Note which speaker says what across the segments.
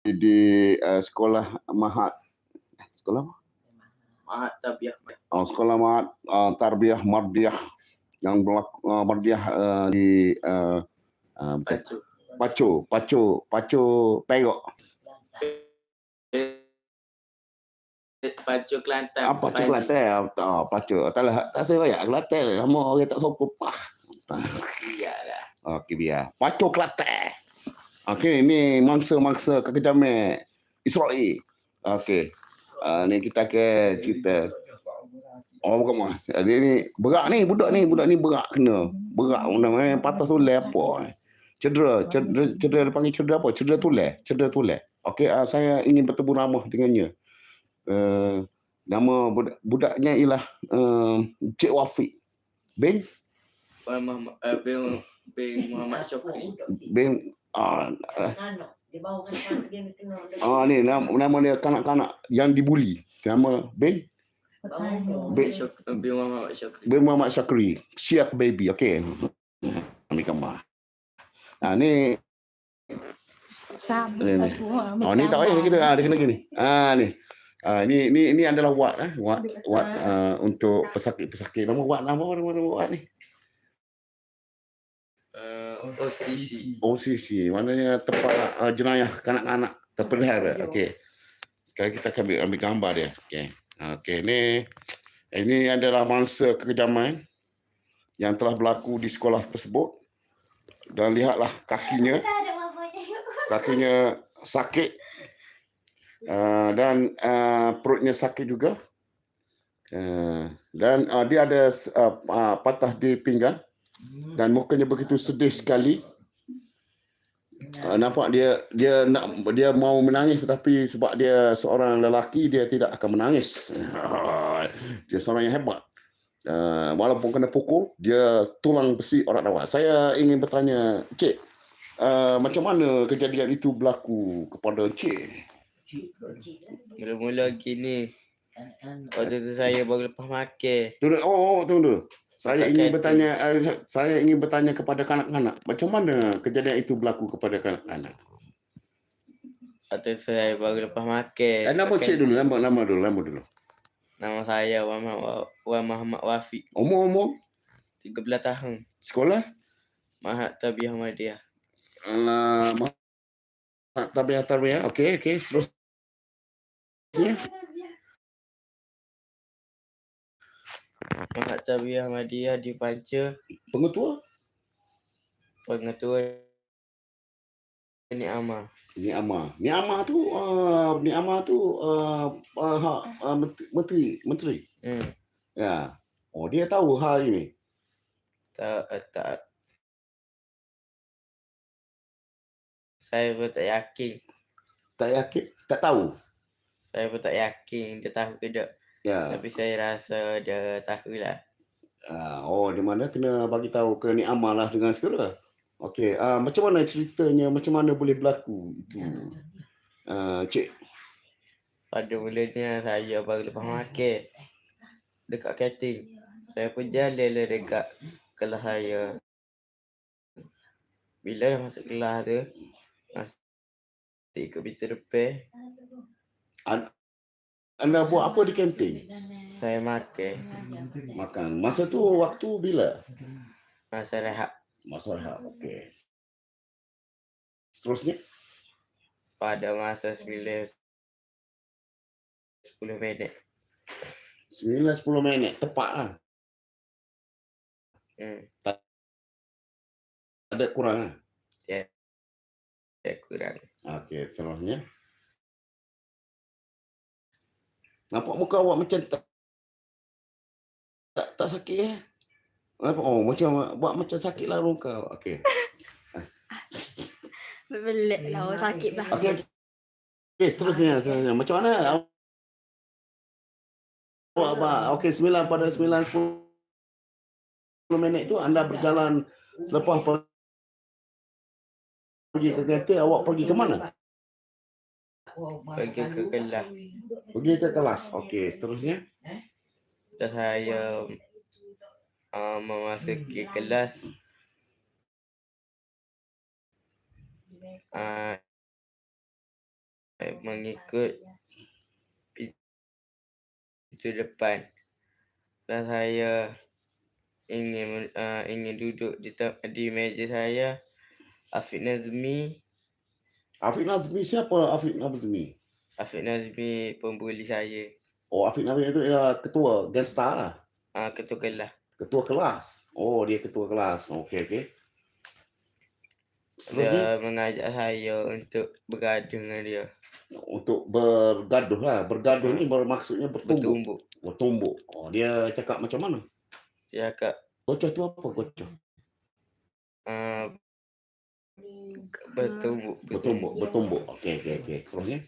Speaker 1: di sekolah Mahat. Sekolah apa?
Speaker 2: Mahat Tarbiyah.
Speaker 1: Sekolah Mahat Tarbiyah Mardiyah yang Mardiyah di Pacu Perak.
Speaker 2: Pacu Kelantan.
Speaker 1: Pacu Kelantan. Pacu. Tak saya banyak Kelantan. Nama orang tak sokong pah.
Speaker 2: Biarlah.
Speaker 1: Okey, biar. Pacu Kelantan. Okey, ini mangsa-mangsa kekejaman Israel. Okey. Ni kita ke cerita. Bukan mas. Dia ni berak ni budak ni berak kena. Berak namanya patah tulang apa. Cedera dia panggil cedera apa? Cedera tulang. Okey, saya ingin bertemu ramah dengannya. Nama budaknya ialah Cik Wafiq bin
Speaker 2: Muhammad Syukri.
Speaker 1: Ni nama dia kanak-kanak yang dibuli. Nama bin Muhammad Syukri. Syiak baby. Okey. Ambil gambar. Ni ni tak payah kita dia kena gini. Ni adalah wad untuk pesakit. Nama wad ni. OCC. Maknanya tempat jenayah kanak-kanak terpelihara. Okey. Sekarang kita akan ambil gambar dia. Okey, ini adalah mangsa kekejaman yang telah berlaku di sekolah tersebut. Dan lihatlah kakinya sakit dan perutnya sakit juga. Dan dia ada patah di pinggang dan mukanya begitu sedih sekali. Nampak dia mau menangis tetapi sebab dia seorang lelaki dia tidak akan menangis. Dia seorang yang hebat. Walaupun kena pukul, dia tulang besi orang awak. Saya ingin bertanya, Cik, macam mana kejadian itu berlaku kepada Cik?
Speaker 2: Mula-mula gini. Waktu tu saya baru lepas makan.
Speaker 1: Tunggu dulu. Saya ingin bertanya kepada kanak-kanak. Macam mana kejadian itu berlaku kepada kanak-kanak?
Speaker 2: Waktu saya baru lepas makan.
Speaker 1: Nama Cik dulu, nama dulu.
Speaker 2: Nama saya Wan Muhammad Wafiq.
Speaker 1: Umur?
Speaker 2: 13 tahun.
Speaker 1: Sekolah?
Speaker 2: Mahat Tarbiyah Mardiyah.
Speaker 1: Mahat Tarbiyah. Okey. Seterusnya.
Speaker 2: Mahat Tarbiyah Mardiyah di Panca.
Speaker 1: Pengetua
Speaker 2: Ni Amar.
Speaker 1: Ni Amar tu menteri. Ya. Dia tahu hal ini.
Speaker 2: Tak. Saya pun tak yakin.
Speaker 1: Tak yakin? Tak tahu?
Speaker 2: Saya pun tak yakin dia tahu ke tak.
Speaker 1: Ya.
Speaker 2: Tapi saya rasa dia tahulah.
Speaker 1: Di mana kena bagi tahu ke Ni Amar lah dengan segera. Okey, macam mana ceritanya, macam mana boleh berlaku itu? Cik.
Speaker 2: Pada mulanya saya baru lepas makan dekat kantin. Saya pun jalan dekat kelas saya. Bila dah masuk kelas tu, masih ikut pintu depan.
Speaker 1: Anda buat apa di kantin?
Speaker 2: Saya makan.
Speaker 1: Masa tu waktu bila?
Speaker 2: Masa rehat.
Speaker 1: Okey. Seterusnya?
Speaker 2: Pada masa 10 minit.
Speaker 1: 9-10 minit. Tepat lah. Tak ada kurang lah?
Speaker 2: Ya. Kurang.
Speaker 1: Okey, seterusnya. Nampak muka awak macam tak sakit macam buat macam sakit lah muka. Okey.
Speaker 3: Belik lah sakit lah.
Speaker 1: Okey, seterusnya. Macam mana? Okey, 9-10 minit tu anda berjalan selepas pergi ke kantin, awak pergi ke mana?
Speaker 2: Pergi ke kelas.
Speaker 1: Okey, seterusnya.
Speaker 2: Dah saya memasuki kelas. mengikut pintu depan. Dan saya ingin duduk di meja saya. Afiq Nazmi.
Speaker 1: Afiq Nazmi siapa Afiq Nazmi?
Speaker 2: Afiq Nazmi pembuli saya.
Speaker 1: Oh, Afiq Nazmi itu ialah ketua Gangsta lah.
Speaker 2: Ketua kelas.
Speaker 1: Ketua kelas. Oh, dia ketua kelas. Okey.
Speaker 2: Dia mengajak saya untuk bergaduh dengan dia.
Speaker 1: Untuk bergaduh lah. Bergaduh ni bermaksudnya bertumbuk. Bertumbuk. Oh, dia cakap macam mana?
Speaker 2: Dia cakap
Speaker 1: Gocoh tu apa gocoh? Bertumbuk. Okey. Terusnya?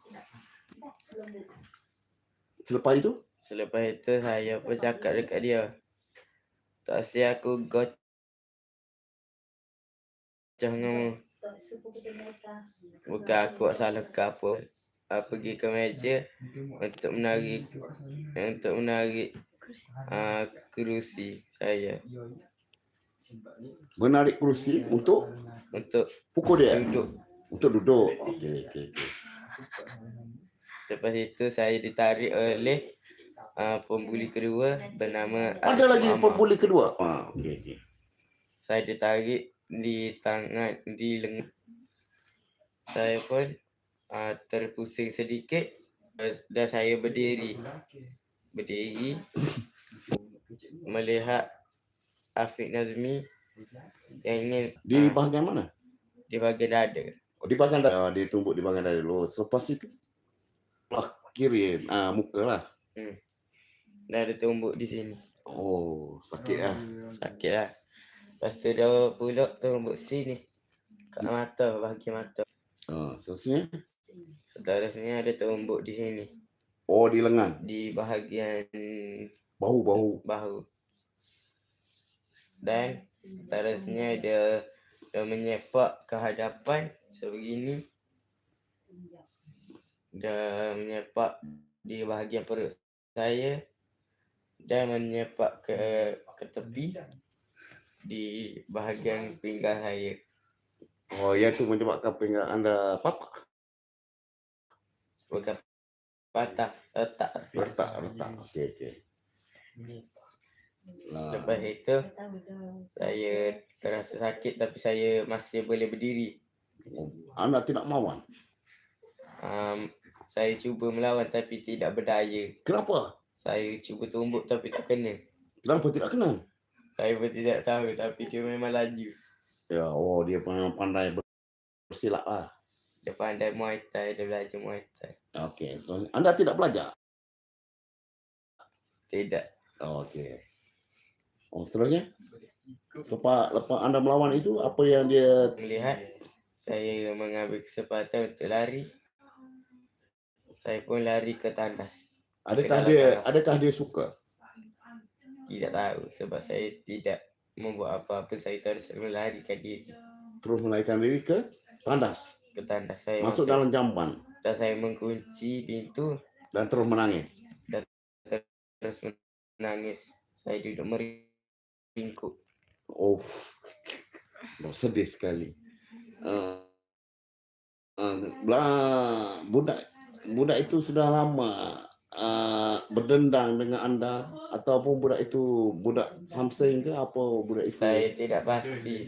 Speaker 1: Selepas itu
Speaker 2: saya pun cakap dekat dia. Tak asyik aku gocoh dengan bukan aku salah ke apa. Pergi ke meja untuk menarik kerusi saya.
Speaker 1: menarik kerusi untuk pukul dia. Untuk duduk. Okey.
Speaker 2: Lepas itu saya ditarik oleh pembuli kedua bernama
Speaker 1: Ada lagi pembuli kedua. Okey.
Speaker 2: Saya ditarik di tangan, di lengan. Saya pun terpusing sedikit dan saya berdiri melihat Afiq Nazmi yang ingin
Speaker 1: di bahagian mana?
Speaker 2: Di bahagian dada.
Speaker 1: Oh, di bahagian dada. Dia tumbuk di bahagian dada dulu. Selepas itu kiri muka lah.
Speaker 2: Dan ada tumbuk di sini.
Speaker 1: Oh, sakit lah.
Speaker 2: Lepas tu dia pula tumbuk sini. Kat mata, bahagian mata. Seterusnya ada tumbuk di sini.
Speaker 1: Oh, di lengan.
Speaker 2: Di bahagian
Speaker 1: bahu.
Speaker 2: Dan seterusnya dia menyepak ke hadapan sebegini. Dia menyepak di bahagian perut saya dan menyepak ke tepi di bahagian pinggang saya.
Speaker 1: Oh, yang tu menyebabkan pinggang anda patah.
Speaker 2: Bukan patah, retak.
Speaker 1: Okey.
Speaker 2: Lepas itu saya terasa sakit tapi saya masih boleh berdiri.
Speaker 1: Anda tidak melawan?
Speaker 2: Saya cuba melawan tapi tidak berdaya.
Speaker 1: Kenapa?
Speaker 2: Saya cuba tumbuk tapi tak kena.
Speaker 1: Kenapa tidak kena?
Speaker 2: Saya pun tidak tahu tapi dia memang laju.
Speaker 1: Ya, dia memang pandai bersilat lah.
Speaker 2: Dia pandai Muay Thai, dia belajar Muay Thai.
Speaker 1: Okey, so, anda tidak belajar?
Speaker 2: Tidak.
Speaker 1: Okey. Seterusnya? Lepas anda melawan itu, apa yang dia...
Speaker 2: Melihat, saya mengambil kesempatan untuk lari. Saya pun lari ke tandas.
Speaker 1: Adakah dia suka?
Speaker 2: Tidak tahu sebab saya tidak membuat apa-apa. Saya terus melarikan diri.
Speaker 1: Terus melarikan diri ke tandas?
Speaker 2: Ke tandas. Saya
Speaker 1: masuk dalam jamban?
Speaker 2: Dan saya mengunci pintu.
Speaker 1: Dan terus menangis?
Speaker 2: Saya duduk meringkuk.
Speaker 1: Oh, sedih sekali. Budak itu sudah lama berdendang dengan anda ataupun budak itu budak Samseng ke apa budak itu?
Speaker 2: Saya tidak pasti.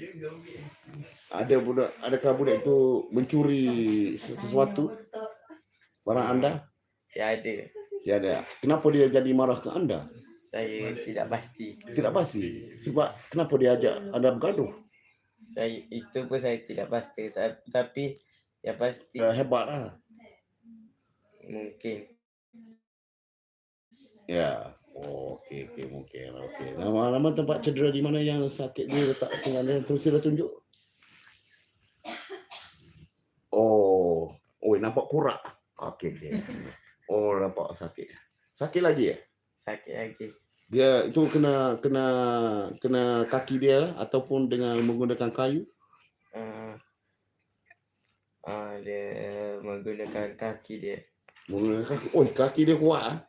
Speaker 1: Adakah budak itu mencuri sesuatu barang anda?
Speaker 2: Ya ada.
Speaker 1: Kenapa dia jadi marah ke anda?
Speaker 2: Saya tidak pasti.
Speaker 1: Tidak pasti. Sebab kenapa dia ajak anda bergaduh?
Speaker 2: Itu pun saya tidak pasti. Tapi ya pasti.
Speaker 1: Hebatlah.
Speaker 2: Mungkin.
Speaker 1: Ya. Okey. Nama tempat cedera di mana yang sakit dia letak tinggal dia terus dia tunjuk. Oh, nampak kurak. Okey. Oh, nampak sakit. Sakit lagi ya?
Speaker 2: Sakit lagi.
Speaker 1: Dia itu kena kaki dia ataupun dengan menggunakan kayu?
Speaker 2: Dia menggunakan kaki dia.
Speaker 1: Menggunakan kaki. Oh, kaki dia kuat.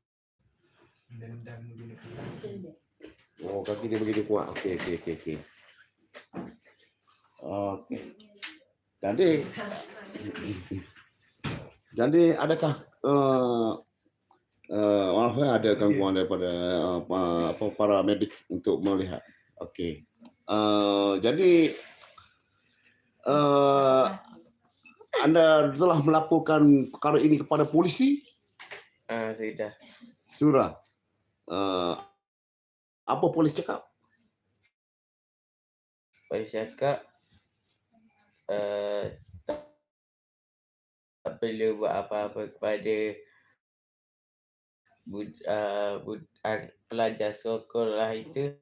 Speaker 1: Oh, kaki dia begitu kuat. Okey. Okey. Jadi Jadi adakah maaf ada gangguan daripada para medik untuk melihat. Okey. Jadi anda telah melaporkan perkara ini kepada polisi?
Speaker 2: Sudah.
Speaker 1: Sudah. Apa polis cakap?
Speaker 2: Polis cakap tak perlu buat apa-apa kepada pelajar sekolah itu.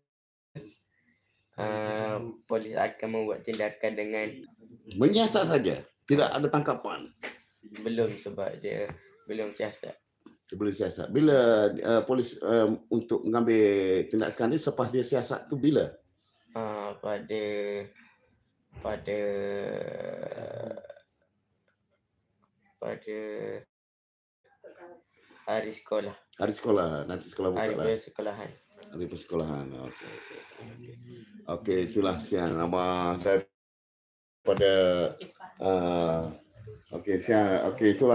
Speaker 2: Polis akan membuat tindakan dengan
Speaker 1: Menyiasat saja. Tidak ada tangkapan.
Speaker 2: belum sebab dia belum siasat.
Speaker 1: Boleh siasat. Bila polis untuk mengambil tindakan ni selepas dia siasat tu bila?
Speaker 2: Pada hari sekolah.
Speaker 1: Hari sekolah. Nanti sekolah buka
Speaker 2: Hari
Speaker 1: lah.
Speaker 2: persekolahan.
Speaker 1: Hari persekolahan. Okey. Okey, itulah siang nama daripada okey siang. Okey, itulah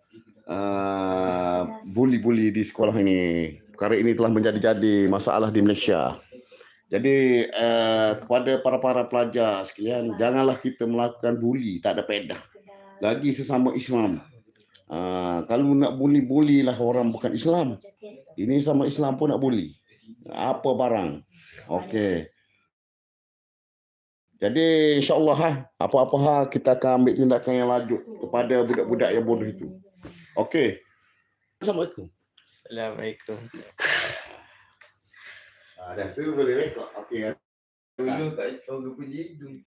Speaker 1: buli-buli di sekolah ini. Perkara ini telah menjadi masalah di Malaysia. Jadi kepada para pelajar sekalian, janganlah kita melakukan buli, tak ada faedah. Lagi sesama Islam. Kalau nak buli-bulilah orang bukan Islam. Ini sama Islam pun nak buli. Apa barang. Okey. Jadi insya-Allah apa-apa hal kita akan ambil tindakan yang lanjut kepada budak-budak yang bodoh itu. Okey. Assalamualaikum.
Speaker 2: Assalamualaikum.
Speaker 1: Dah tu boleh rekod. Okey.
Speaker 2: Dulu kat orang punya hidung.